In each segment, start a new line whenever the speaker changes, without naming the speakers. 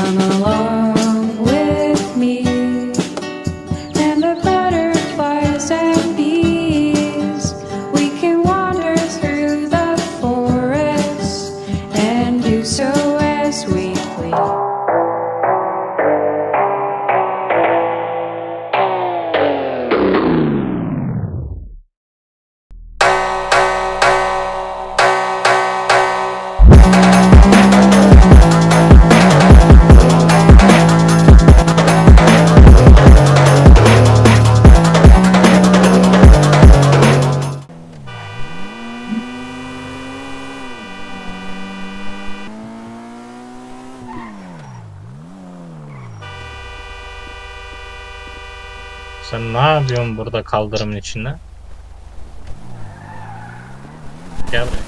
Come along with me, and the butterflies and bees. We can wander through the forest and do so as we please.
Sen ne yapıyorsun burada kaldırımın içinde? Gel buraya.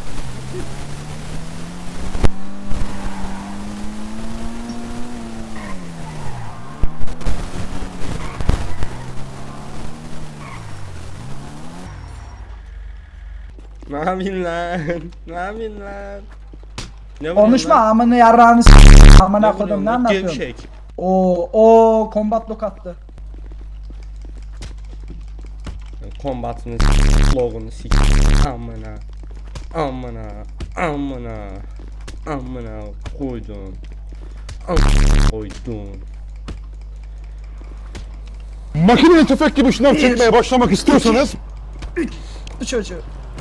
Ne yapayım lan? Ne yapayım lan? Ne
Konuşma amına yarrağını amına kodum ne anlatıyorsun?
Gevşek.
O combat lock attı.
Kombatını logunu sik. Amına. Amına. Amına. Amına koydum. Amına koydum.
Makineli tüfek gibi şınav çekmeye başlamak istiyorsanız
Bu çocuğu.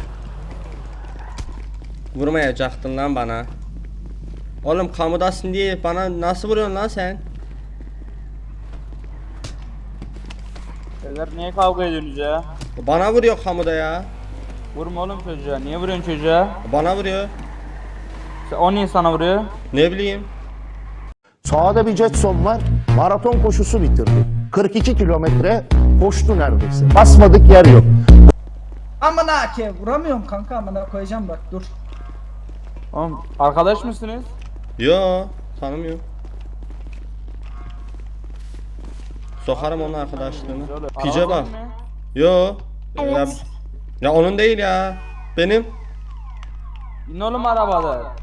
Vurmayacaktın lan bana. Oğlum kamudasın diye bana nasıl vuruyorsun lan sen?
Beyler niye kavga ediyorsunuz ya?
Bana vuruyor kamuda ya.
Vurma oğlum çocuğa. Niye vuruyorsun çocuğa?
Bana vuruyor.
O niye sana vuruyor?
Ne bileyim.
sağda bir Jetson var, maraton koşusu bitirdi. 42 kilometre koştu neredeyse. Basmadık yer yok.
Amına ke vuramıyorum kanka amına koyacağım bak dur.
Oğlum arkadaş mısınız?
Yo, tanımıyorum. Sokarım onun arkadaşlığını. Pice bak.
Arabasın mı?
Yo. Ya, ya onun değil ya. Benim.
İn oğlum arabada.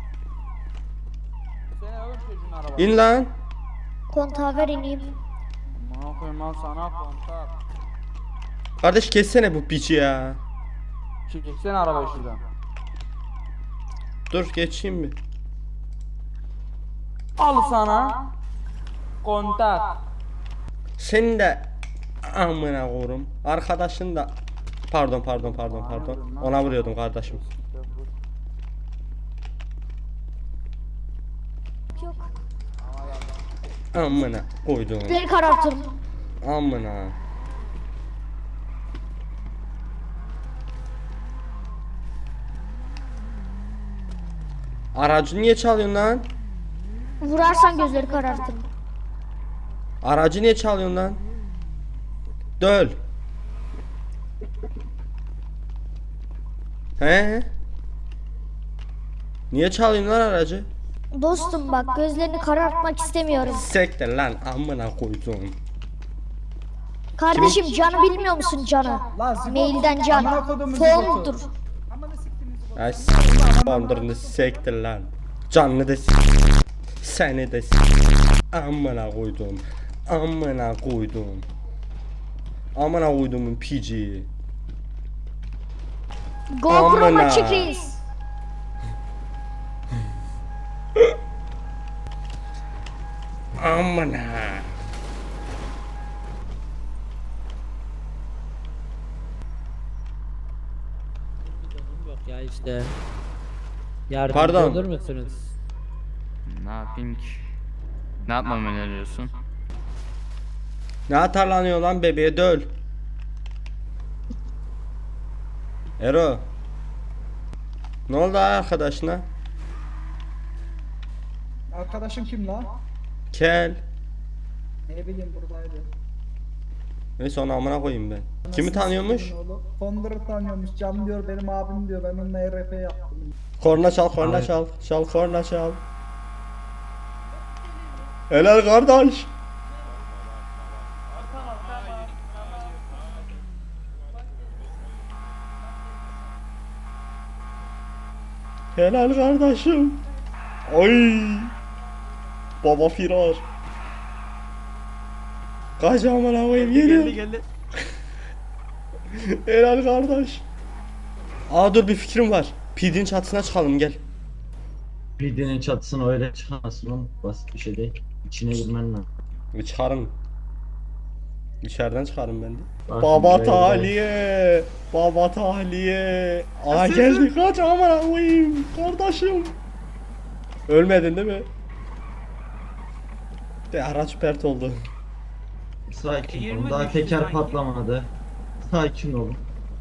Sen oğlum çocuğun arabada.
İn lan.
Kontağa ver ineyim.
Aman koyayım lan sana kontak.
Kardeş kessene bu piçi ya.
Çeksene arabayı şuradan.
Dur geçeyim bir.
Al sana. Kontak.
Senin de amına korum. Arkadaşın da pardon. Ona vuruyordum kardeşim.
Yok.
Amına koydum.
Gözleri karartırım.
Amına. Aracı niye çalıyorsun lan?
Vurarsan gözleri karartırım.
Aracı niye çalıyorsun lan? Döl. He? Niye çalıyorsun lan aracı?
Dostum bak gözlerini karartmak istemiyorum.
Sektir lan amına koydum.
Kardeşim canı bilmiyor musun canı?
La zibot.
Mailden can.
Amına kodumun
Fondur.
zibotu. Amına siktiğiniz zibotu.
Ay s***andırını sektir lan. Canını da seni de amına koydum. Amına koydum. Amına koydumun pici.
GoPro
Amına.
açık reis.
Amına.
Yok ya işte. Yardımcı
Pardon.
olur musunuz?
Ne yapayım ki? Ne yapmamı öneriyorsun?
Ne atarlanıyor lan bebeğe döl. Ero. Ne oldu arkadaşına?
Arkadaşım kim la?
Kel.
Ne bileyim buradaydı.
Neyse onu amına koyayım ben. Kimi tanıyormuş?
Fonder'ı tanıyormuş. Can diyor benim abim diyor. Ben onunla RP yaptım.
Korna çal, korna çal. Çal, korna çal. Helal kardeş. Helal kardeşim. Oy. Baba firar. Kaç amına koyayım geliyor.
Geldi.
Helal kardeş. Aa dur bir fikrim var. PD'nin çatısına çıkalım gel.
Bildiğinin çatısına öyle çıkamazsın oğlum. Basit bir şey değil. İçine girmen lazım.
Çıkarım. İçeriden çıkarım ben de.
Bak
Baba
şimdi böyle
tahliye. Baba tahliye. Aa geldi kaç amına koyayım kardeşim. Ölmedin değil mi? De araç pert oldu.
Sakin olun. Daha teker patlamadı. Sakin olun.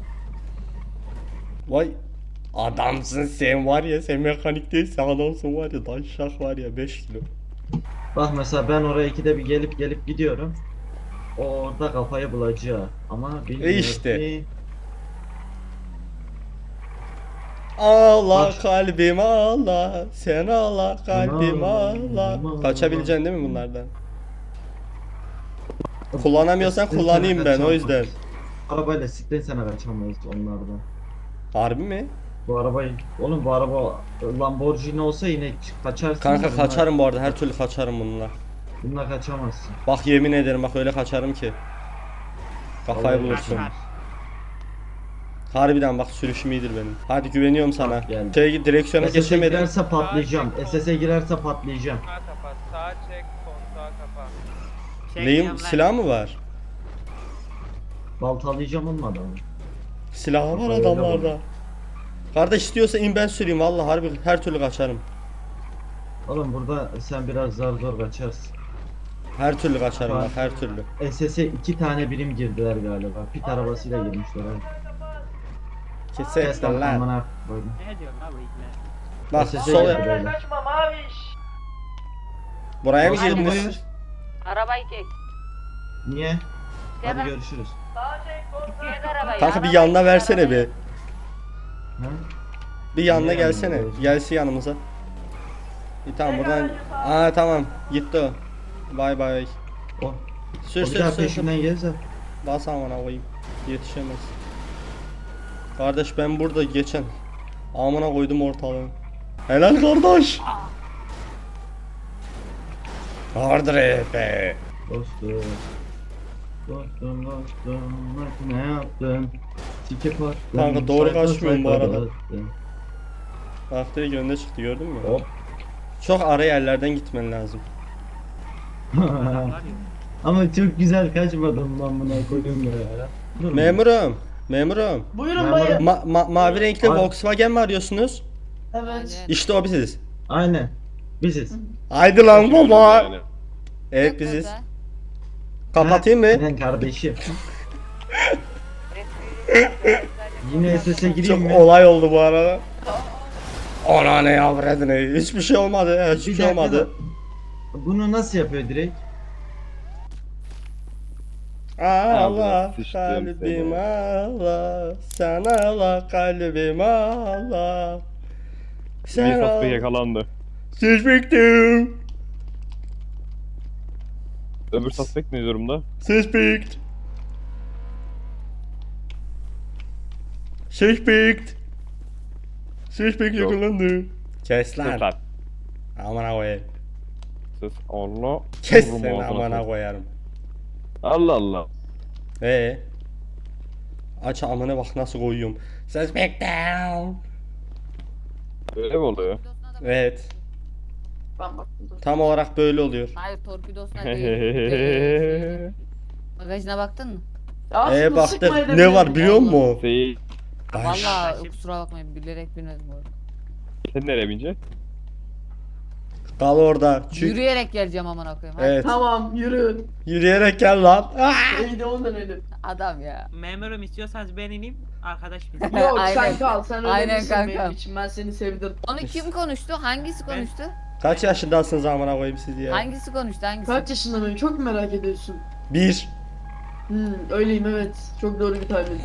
Vay adamsın sen var ya, sen mekanik değilsin adamsın var ya, daşşak var ya 5 kilo.
Bak mesela ben oraya ikide bir gelip gidiyorum. O orada kafayı bulacak. Ama bilmiyor
işte.
ki.
Allah
Bak.
kalbim Allah, sen Allah kalbim
Allah,
Allah. Kaçabileceksin değil mi bunlardan? Kullanamıyorsan
Siktir
kullanayım
sana
ben o
kaçamayız.
yüzden.
Arabayla siktir sana kaçamayız onlardan.
Harbi mi?
Bu arabayı, oğlum bu araba Lamborghini olsa yine kaçarsın.
Kanka
Bunlar-
kaçarım bu arada, her türlü kaçarım bununla.
Bununla kaçamazsın.
Bak yemin ederim bak öyle kaçarım ki. Kafayı
Vallahi
bulursun.
kaçar.
Harbiden bak sürüşüm iyidir benim. Hadi güveniyorum sana.
Bak geldi.
Direksiyona
SS'e
geçemedim.
girerse patlayacağım. SS'e girerse patlayacağım.
Sağa çek, kontağı kapa.
Neyim? Silah mı var?
Baltalayacağım olmadı ama.
Silahı var
Öyle
adamlarda. Kardeş istiyorsa in ben süreyim vallahi harbi her türlü kaçarım.
Oğlum burada sen biraz zor kaçarsın.
Her türlü kaçarım bak her türlü.
SS'e 2 tane birim girdiler galiba. Pit arabasıyla girmişler abi.
Kesin lan.
Amına koydum.
Ne diyorsun abi ikna?
Bak
SS'e
sol
girdi böyle.
buraya mı
Hadi
girdiniz?
buyur.
Arabayı çek.
Niye? Hadi
Devam.
görüşürüz.
Çek arabayı.
Kanka bir
arabayı
yanına
çek,
versene
arabayı.
bir.
Ha?
Bir yanına
Niye
gelsene.
yanına?
Gelsin yanımıza. Tamam buradan. Aa tamam gitti o. Bay bay.
O,
Sür
o bir
sür
daha
sür. sür.
peşinden gelirse.
Bas amına koyayım. Yetişemez. Kardeş ben burada geçen. Amına koydum ortalığı. Helal kardeş. Vardır be.
Dostum. Dostum bak ne yaptın? Sikip attın.
Kanka doğru
sayfa
kaçmıyorum bu
sayfa
arada.
dağıttın.
Bak direkt önüne çıktı gördün mü?
Hop.
Çok ara yerlerden gitmen lazım.
Ama çok güzel kaçmadım lan buna koydum ya. Dur.
Memurum. Memurum.
Buyurun
Memurum.
bayım.
Mavi renkli
Ay.
Volkswagen mi arıyorsunuz?
Evet.
İşte o biziz.
Aynen. Biziz.
Haydi lan baba. Evet biziz. Kapatayım mı?
Aynen kardeşim. Yine SS'e gireyim
Çok
mi?
olay oldu bu arada. Ana ne yavredin hiçbir şey olmadı. Hiçbir
Bir
şey
dakika
olmadı.
da- Bunu nasıl yapıyor direkt?
Allah kalbim Allah, sen Allah kalbim Allah. Sen Allah.
yakalandı.
Suspectum.
Öbür suspect ne durumda?
Suspect. Suspect. Suspect
Yok.
yakalandı. Kes lan.
Lan.
Amına koyayım.
Sus. Allah.
Kes
Vururum
seni
ağzına
amına
sokayım.
koyarım.
Allah Allah.
Aç amına bak nasıl koyuyorum. Suspect down.
Öyle mi oluyor?
Evet. Tam olarak böyle oluyor.
Hayır torpidosuna değil. Bagajına baktın mı?
Baktık. Ne var biliyor musun?
Şey,
Baş.
Vallahi kusura bakmayın bilerek bilmedim bu arada.
sen nereye bineceksin?
Kal orada. Çünkü
Yürüyerek geleceğim amına koyayım. hadi.
evet.
Tamam yürü.
Yürüyerek gel lan.
İyi de ondan öyle.
Adam ya.
Memurum istiyorsanız ben ineyim. Arkadaş bizim.
Yok
Aynen.
sen kal sen öyle
Aynen
misin
kanka.
benim için ben seni sevdim.
Onu kim konuştu? Hangisi
Ben-
konuştu?
Kaç yaşındasınız amına koyayım siz ya?
Hangisi konuştu? Hangisi?
Kaç yaşında mıyım çok merak ediyorsun.
1.
Öyleyim evet. Çok doğru bir tahmin.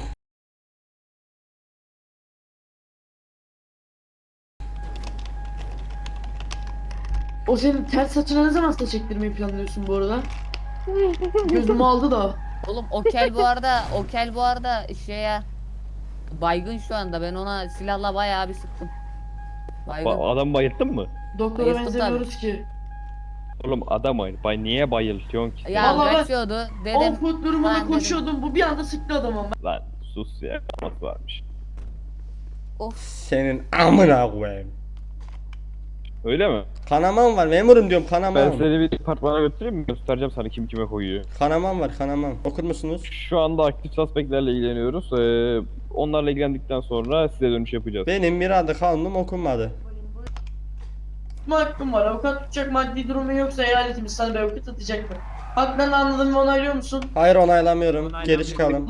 O senin ters saçına ne zaman saç ektirmeyi planlıyorsun bu arada? Gözümü aldı da.
Oğlum Okel bu arada şeye baygın şu anda. Ben ona silahla bayağı bir sıktım. Baygın.
Adam bayılttın mı?
Doktora
Ayıptım
benzemiyoruz ki.
Oğlum adam oyun. Niye bayıltıyorsun ki?
Ya
Vallahi ben-
kaçıyordu. Dedim.
Offroad durumunda
Ben dedim.
koşuyordum. Bu bir anda sıktı adamı.
Lan sus ya. Nasıl varmış?
Of.
Senin amına koyayım.
Öyle mi?
Kanamam var memurum diyorum
Ben
kanamam.
seni bir departmana götüreyim mi? Göstereceğim sana kim kime koyuyor.
Kanamam var kanamam. Okur musunuz?
Şu anda aktif suspektlerle ilgileniyoruz. Onlarla ilgilendikten sonra size dönüş yapacağız.
Benim mirada kanunum okunmadı.
Hakkım var. Avukat tutacak maddi durumu yoksa eyaletimiz sana bir avukat atacak mı? Haklarını anladın ve onaylıyor musun?
Hayır onaylamıyorum. Geri
Onaylamıyorum.
çıkalım.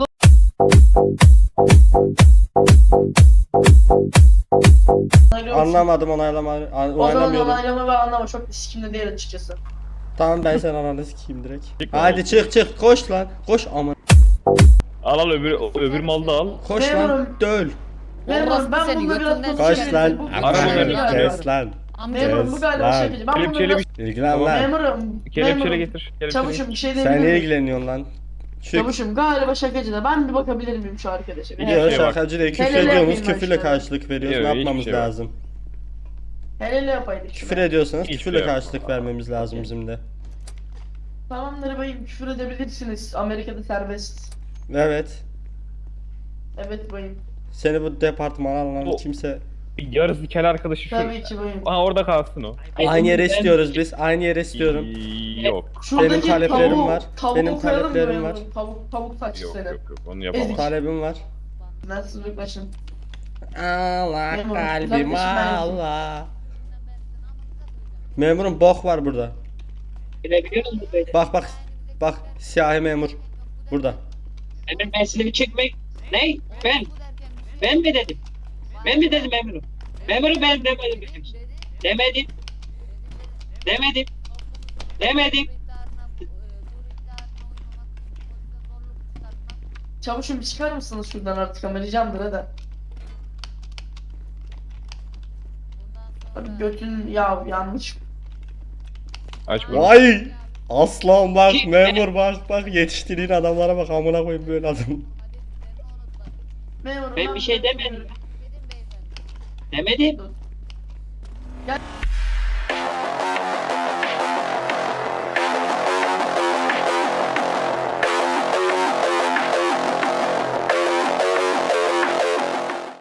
Onaylıyor musun?
Anlamadım onaylamadım.
O zaman
Onaylamıyorum.
onaylama ve anlama çok bir sikimde değil açıkçası.
Tamam ben sen ananı sikeyim direkt.
Çık
Hadi
oğlum.
çık koş lan. Koş aman.
Al öbür malı da al.
Koş lan
Memurum.
döl.
Memurum
Orospu
ben
seni
bununla biraz
götünden
Koş
sikerim.
lan.
Bu-
Ara bunları.
Kes lan.
Memurum bu
Kes
galiba
lan.
şakacı. Ben bunu
Kelepçeyle
biraz...
bir
İlgilen lan.
Memurum.
kelepçeyle
Memurum.
getir. Kelepçeyle
Çavuşum bir şey
Sen
diyebilir
niye
miyim?
ilgileniyorsun lan? Çık.
Çavuşum galiba şakacı da ben bir bakabilir miyim şu arkadaşa? Bir
Gidiyor
şey bak.
şakacı diye küfür
Helal
ediyorsunuz.
yapayım ben
Küfürle
işte.
karşılık veriyoruz.
Yok,
Ne
hiçbir
yapmamız
şey yok.
lazım?
Hele yapaydık.
Küfür ediyorsanız
Hiçbir
küfürle
şey yok.
karşılık vermemiz lazım bizim de.
Tamamdır bayım küfür edebilirsiniz. Amerika'da serbest.
Evet.
Evet bayım.
Seni bu departmana alan
O-
kimse...
Bir yarısı kel arkadaşı şu.
Tabii ki bayım.
Aha orada kalsın o.
Aynı yere istiyoruz biz. Aynı yere istiyorum.
Yok.
Şuradaki
taleplerim
tavuğu-
var.
tavuğu
Benim
koyalım mı
taleplerim
bayım?
var.
Tavuk saçlı
Yok
seni.
yok yok onu yapamam.
Talebim var.
Nasıl yaklaşın?
Allah
Memurum,
kalbim
kardeşim ben-
Allah. Memurum bok var burada. Bak. Bak siyahi memur. Burada.
Ben silahı çekmek. Ne? Ben mi dedim? Ben mi dedim memurum? Memurum ben demedim. Demedim.
Çavuşum bir çıkar mısınız şuradan artık ama ricamdır hadi. Abi götün ya yanlış.
Aç bunu.
Vay! Aslan bak memur bak yetiştirdiğin adamlara bak amına koyayım böyle adam.
Memurum
Ben bir şey demedim. Demedim.